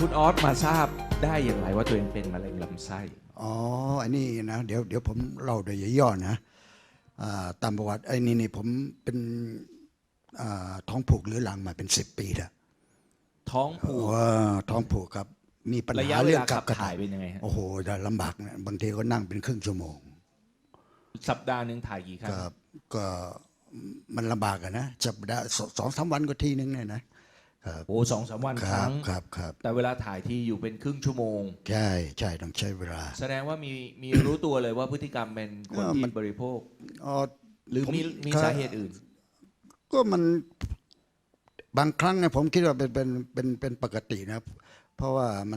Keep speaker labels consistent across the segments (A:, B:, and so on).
A: คุณออสมาทราบได้อย่างไรว่าตัวเองเป็นมะเร็งลำไส้
B: อ๋ออันนี้นะเดี๋ยวผมเล่าโดยย่อๆนะตามประวัติไอ้นี่ผมเป็นท้องผูกเรื้อรังมาเป็น10 ปีแล้ว
A: ท้องผูก
B: ท้องผูกครับมีปัญ
A: ระ
B: หา
A: ยะเว
B: เรื่อ
A: ลาง
B: กั
A: ขั
B: บบ กระ
A: ถ่า
B: ถ่าย ย
A: เป็นยังไงฮะ
B: โอ้โหจะลำบากนะบางทีก็นั่งเป็นครึ่งชั่วโมง
A: สัปดาห์หนึ่งถ่ายกี่ครั้ง
B: ก็มันลำบากอะนะสัปดาห์2-3 วันก็ทีนึงเนี่ยนะ
A: โอ้2-3 วันค
B: ครั
A: รั้
B: บ
A: ง
B: ครับ
A: แต่เวลาถ่ายที่อยู่เป็นครึ่งชั่วโมง
B: ใช่ต้องใช้เวลา
A: แสดงว่ามีรู้ตัวเลยว่าพฤติกรรมเป็นคนที่บริโภค หรือมีสาเหตุอื่น
B: ก็มันบางครั้งเนี่ยผมคิดว่าเป็นปกตินะเพราะว่ามัน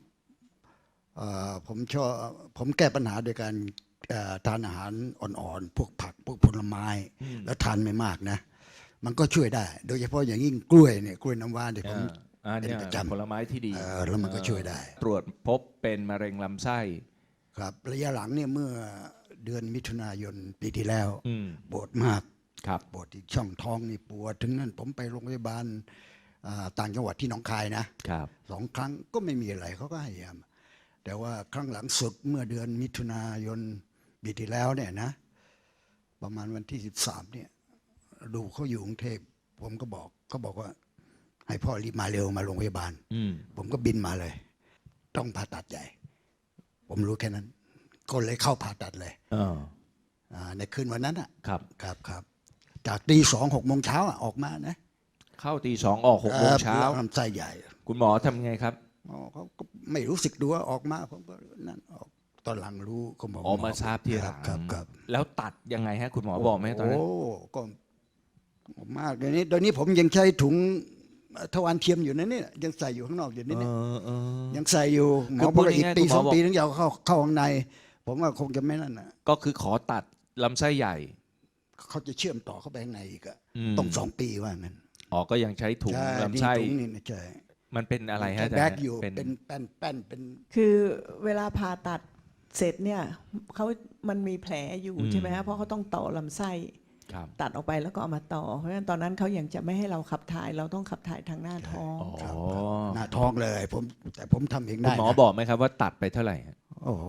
B: ผมแก้ปัญหาโดยการทานอาหารอ่อนๆพวกผักพวกผลไม้แล้วทานไม่มากนะมันก็ช่วยได้ โดยเฉพาะอย่างยิ่งกล้วยเนี่ยกล้วยน้ำว้าเนี่ยผมเป็นประจำ
A: ผลไม้ที่ดี
B: แล้วมันก็ช่วยได้
A: ตรวจพบเป็นมะเร็งลำไส้
B: ครับระยะหลังเนี่ยเมื่อเดือนมิถุนายนปีที่แล้วปวดมาก
A: ครับ
B: ปวดที่ช่องท้องนี่ปวดถึงนั้นผมไปโรงพยาบาลต่างจังหวัดที่หนองคายนะครับ2 ครั้งก็ไม่มีอะไรเขาก็ให้ยาแต่ว่าครั้งหลังสุดเมื่อเดือนมิถุนายนปีที่แล้วเนี่ยนะประมาณวันที่13เนี่ยดูเขาอยู่กรุงเทพผมก็บอกเขาบอกว่าให้พ่อรีบมาเร็วมาโรงพยาบาลผมก็บินมาเลย ต้องผ่าตัดใหญ่ ผมรู้แค่นั้นก็เลยเข้าผ่าตัดเลยในคืนวันนั้นอ่ะครับจากตี 2 6 โมงเช้าออกมานะ
A: เข้าตี 2ออก6 โมงเช้า
B: ลำไส้ใหญ่
A: คุณหมอทำไงครับ
B: เขาก็ไม่รู้สึกดูว่าออกมาผมก็นั่นออกตอนหลังรู้เขาบอก
A: มาทราบทีหลัง
B: ครับ
A: แล้วตัดยังไงฮะคุณหมอบอกไหมตอนนั้น
B: โอ้ก็มากเดี๋ยวนี้ผมยังใช้ถุงทวารเทียมอยู่นะเนี่ยยังใส่อยู่ข้างนอกอยู่นี่เนี่ยยังใส่อยู่หมอบอกอีกปี2 ปีถึงจะเข้าข้างในผมว่าคงจะไม่นั่นนะ
A: ก็คือขอตัดลำไส้ใหญ่
B: เขาจะเชื่อมต่อเข้าไปข้างในอีกอะต้อง2 ปีว่างั้น
A: ก็ยังใช้ถุงลำไส้
B: ใช่
A: มันเป็นอะไรฮะ
B: แบกอยู่เป็นแป้นเป็น
C: คือเวลาผ่าตัดเสร็จเนี่ยมันมีแผลอยู่ใช่ไหมฮะเพราะเขาต้องต่อลำไส้ตัดออกไปแล้วก็เอามาต่อเพราะฉะนั้นตอนนั้นเขายังจะไม่ให้เราขับถ่ายเราต้องขับถ่ายทางหน้าท้อง
B: หน้าท้องเลยแต่ผมทำเองได้
A: หมอบอกไหมครับว่าตัดไปเท่าไหร่
B: โอ้โห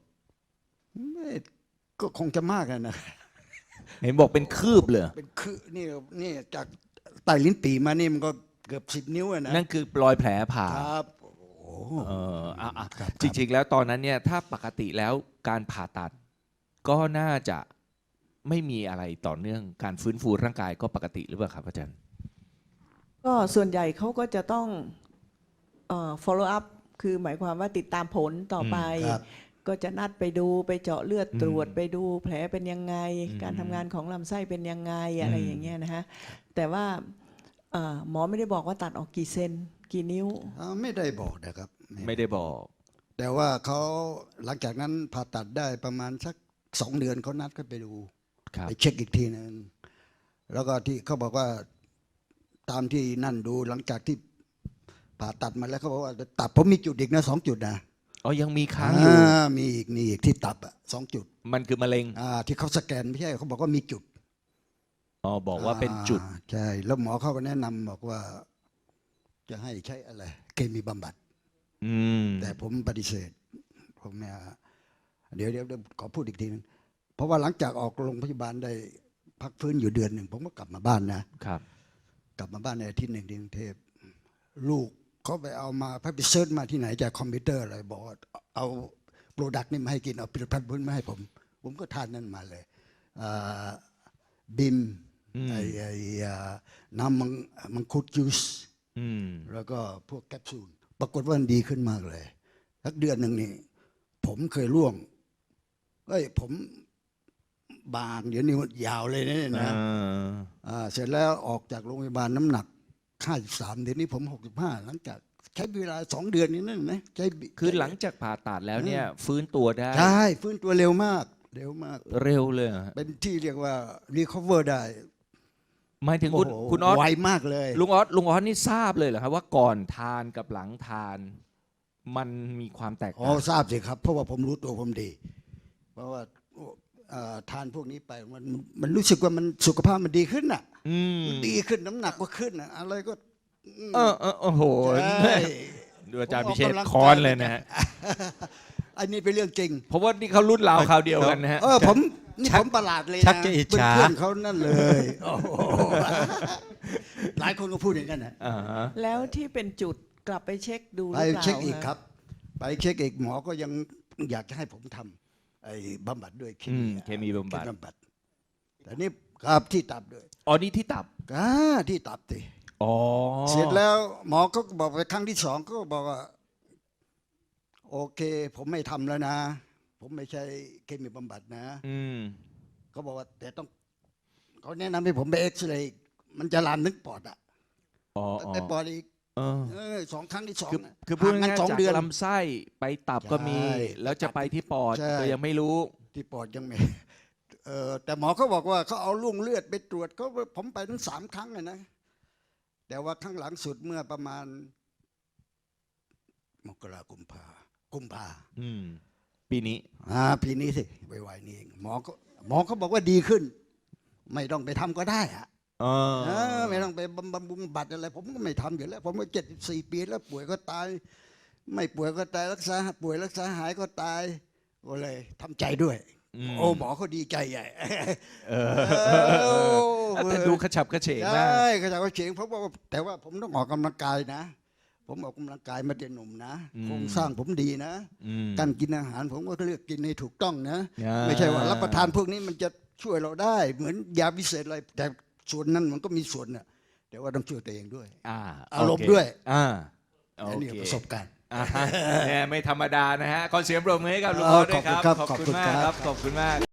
B: ก็คงจะมากนะ
A: เห็นบอกเป็นคืบเลย
B: เป็นคืบนี่จากใต้ลิ้นปี่มานี่มันก็เกือบ10 นิ้วนะ
A: นั่นคือรอยแผลผ่า
B: ครับ
A: จริงๆแล้วตอนนั้นเนี่ยถ้าปกติแล้วการผ่าตัดก็น่าจะไม่มีอะไรต่อเนื่องการฟื้นฟูร่างกายก็ปกติหรือเปล่าครับอาจารย์
C: ก็ส่วนใหญ่เขาก็จะต้องfollow up คือหมายความว่าติดตามผลต่อไปก็จะนัดไปดูไปเจาะเลือดตรวจไปดูแผลเป็นยังไงการทำงานของลำไส้เป็นยังไงอะไรอย่างเงี้ยนะฮะแต่ว่าหมอไม่ได้บอกว่าตัดออกกี่เซนกี่นิ้ว
B: ไม่ได้บอกนะครับ
A: ไม่ได้บอก
B: แต่ว่าเขาหลังจากนั้นผ่าตัดได้ประมาณสัก2 เดือนเขานัดก็ไปดูไปเช็คอีกทีนึงแล้วก็ที่เขาบอกว่าตามที่นั่นดูหลังจากที่ผ่าตัดมาแล้วเขาบอกว่าตับผมมีจุดอีกนะ2 จุดนะ
A: ยังมีค้างอยู่
B: มีอีกที่ตับ2 จุด
A: มันคือมะเร็ง
B: ที่เขาสแกนไม่ใช่เขาบอกว่ามีจุด
A: บอกว่าเป็นจุด
B: ใช่แล้วหมอเขาก็แนะนำบอกว่าจะให้ใช้อะไรเคมีบำบัดแต่ผมปฏิเสธผมเนี่ยเดี๋ยวขอพูดอีกทีนึงเพราะว่าหลังจากออกโรงพยาบาลได้พักฟื้นอยู่เดือนหนึ่งผมก็กลับมาบ้านนะครับกลับมาบ้านในอาทิตย์หนึ่งที่กรุงเทพลูกเขาไปเอามาไปเซิร์ชมาที่ไหนจากคอมพิวเตอร์อะไรบอกว่าเอาโปรดักต์นี่มาให้กินเอาผลิตภัณฑ์มาให้ผมก็ทานนั่นมาเลยบิมน้ำมังคุดจูสแล้วก็พวกแคปซูลปรากฏว่ามันดีขึ้นมากเลยสักเดือนหนึ่งนี่ผมเคยร่วงผมบางเดี๋ยวนี้ยาวเลยนะเสร็จแล้วออกจากโรงพยาบาลน้ำหนัก53เดี๋ยวนี้ผม65หลังจากใช้เวลา2 เดือนนี้นั่นนะ
A: คือหลังจากผ่าตัดแล้วเนี่ยฟื้นตัวได้
B: ใช่ฟื้นตัวเร็วมาก
A: เร็วเลย
B: เป็นที่เรียกว่า recover ได้
A: หมายถึงคุณออส
B: ไวมากเลย
A: ลุงออสนี่ทราบเลยเหรอครับว่าก่อนทานกับหลังทานมันมีความแตกต่าง
B: ทราบสิครับเพราะว่าผมรู้ตัวผมดีเพราะว่าทานพวกนี้ไปมันรู้สึกว่ามันสุขภาพมันดีขึ้นดีขึ้นน้ำหนักก็ขึ้นอะไรก็
A: โอ้โหดูอาจารย์
B: ผม
A: พิเชษ
B: กำลัง
A: ค้อนเลยนะฮะ
B: อันนี้เป็นเรื่องจริง
A: เพราะว่านี่เขารุ่นราวคราวเดียวกันนะฮะ
B: ผมนี่ผมประหลาดเลยนะ
D: ชักจะอิจฉา
B: เพื่อนๆเขานั่นเลยโอ้โหหลายคนก็พูดอย่างนั้นนะ
A: อ่าฮะ
C: แล้วที่เป็นจุดกลับไปเช็คดูห
B: ไป
C: รือเปล่า
B: เช็คอีก
C: ะ
B: ครับ ไปเช็คอีกหมอก็ยังอยากจะให้ผมทำไอ้บำบัดด้วย
A: เคมีบำบัด
B: แต่นี่ครับที่ตับด้วย
A: อ๋อนี่ที่ตับ
B: ที่ตับสิ
A: อ๋อ
B: เสร็จแล้วหมอก็บอกไปครั้งที่สองก็บอกว่า โอเค ผมไม่ทำแล้วนะ ผมไม่ใช่เคมีบำบัดนะ
A: อืม
B: เขาบอกว่าแต่ต้องเขาแนะนำให้ผมไปเอ็กซเรย์มันจะลามนึกปอดอ่ะ
A: อ๋อ
B: ไปปอดอีก
A: เออ
B: สองครั้งที่สอง
A: คือพูด
B: ห่างกั
A: ง่าย
B: น
A: ๆ
B: 2 เดือน
A: จากลำไส้ไปตับก็มี
B: ใช่
A: แล้วจะไปที่ปอด
B: ใช่
A: ก็ยังไม่รู้
B: ที่ปอดยังไม่ แต่หมอเขาบอกว่าเขาเอาลุ่งเลือดไปตรวจก็ผมไปทั้ง3 ครั้งเลยนะ แต่ว่าครั้งหลังสุดเมื่อประมาณมกรากุมภา
A: อืม ปีนี้
B: ปีนี้สิไวๆนี่เองหมอเขาบอกว่าดีขึ้น ไม่ต้องไปทำก็ได้อะ ไม่ต้องไปบำรุงบัตรอะไร ผมก็ไม่ทำอยู่แล้ว ผมก็74 ปีแล้วป่วยก็ตาย ไม่ป่วยก็ตายรักษาป่วยรักษาหายก็ตายก็เลยทำใจด้วย โอ้หมอเขาดีใจใหญ่
A: แต่ดูกระฉับกระเฉง
B: ใช่
A: มาก
B: เขาจะเขาเฉงเพราะว่าแต่ว่าผมต้องออกกำลังกายนะ ผมออกกำลังกายมาแต่หนุ่มนะโครงสร้างผมดีนะ
A: อืม
B: การกินอาหารผมก็เลือกกินให้ถูกต้องนะ
A: อ่า
B: ไม่ใช่ว่ารับประทานพวกนี้มันจะช่วยเราได้ เหมือนยาพิเศษอะไรแต่ส่วนนั้นมันก็มีส่วนน่ะแต่ว่าต้องช่วยตัวเองด้วย อารมณ์
A: โเค
B: ด้วย
A: โอ
B: อันนี้
A: เค
B: ประสบการณ์
A: เนี่ยไม่ธรรมดานะฮะขอเสียงปรบมือให้กับลุง
B: เอ
A: อ
B: อ
A: ด้วยครับ
B: ขอบคุณครับ
A: ขอบคุณมากครับ ขอบคุณมาก